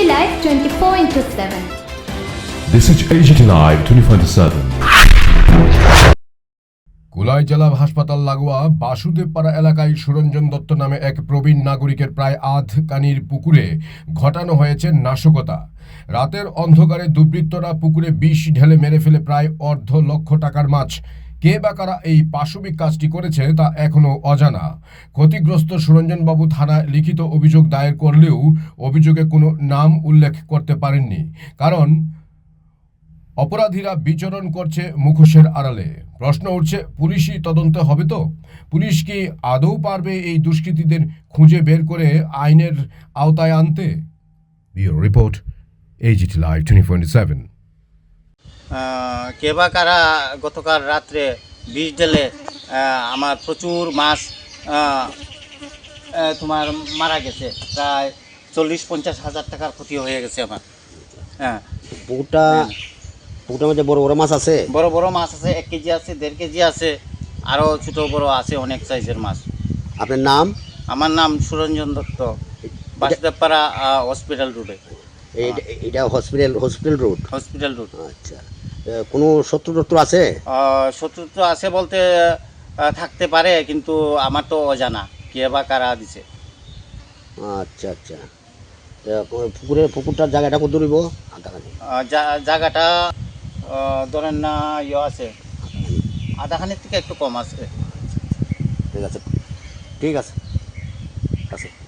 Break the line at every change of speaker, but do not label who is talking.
Live 24/7.
This is AGT Live 24/7. কুলাই জেলা হাসপাতাল লাগোয়া বাসুদেবপাড়া এলাকায় সুরঞ্জন দত্ত নামে এক প্রবীণ নাগরিকের প্রায় আধ কানির পুকুরে ঘটানো হয়েছে নাশকতা। রাতের অন্ধকারে দুর্বৃত্তরা পুকুরে বিষ ঢেলে মেরে ফেলে প্রায় $1.5 লাখ টাকার মাছ। কে বা কারা এই পাশবিক কাজটি করেছে তা এখনো অজানা। ক্ষতিগ্রস্ত সুরঞ্জনবাবু থানায় লিখিত অভিযোগ দায়ের করলেও অভিযোগে কোনো নাম উল্লেখ করতে পারেননি, কারণ অপরাধীরা বিচরণ করছে মুখোশের আড়ালে। প্রশ্ন উঠছে, পুলিশি তদন্ত হবে তো? পুলিশ কি আদৌ পারবে এই দুষ্কৃতীদের খুঁজে বের করে আইনের আওতায় আনতে? Bureau report, AGT Live 24/7।
কে বা কারা গতকাল রাত্রে বিষ ঢেলে আমার প্রচুর মাছ তোমার মারা গেছে। প্রায় 40-50 হাজার টাকার ক্ষতি হয়ে গেছে আমার। হ্যাঁ,
পুকুরটার মধ্যে বড় বড় মাছ আছে?
বড় বড় মাছ আছে, 1 কেজি আছে, 1.5 কেজি আছে, আরও ছোটো বড় আছে, অনেক সাইজের মাছ।
আপনার নাম?
আমার নাম সুরঞ্জন দত্ত, বাসুদেবপাড়া হসপিটাল রোডে।
এটা হসপিটাল রোড?
Hospital road.
আচ্ছা, কোনো শত্রু আছে?
শত্রু তো আছে বলতে থাকতে পারে, কিন্তু আমার তো অজানা কে বা কারা দিছে।
আচ্ছা আচ্ছা, পুকুরটার জায়গাটা কত দূরিব?
জায়গাটা ধরেন না আছে, আধাখানির থেকে একটু কম আছে।
ঠিক আছে, ঠিক আছে, আছে।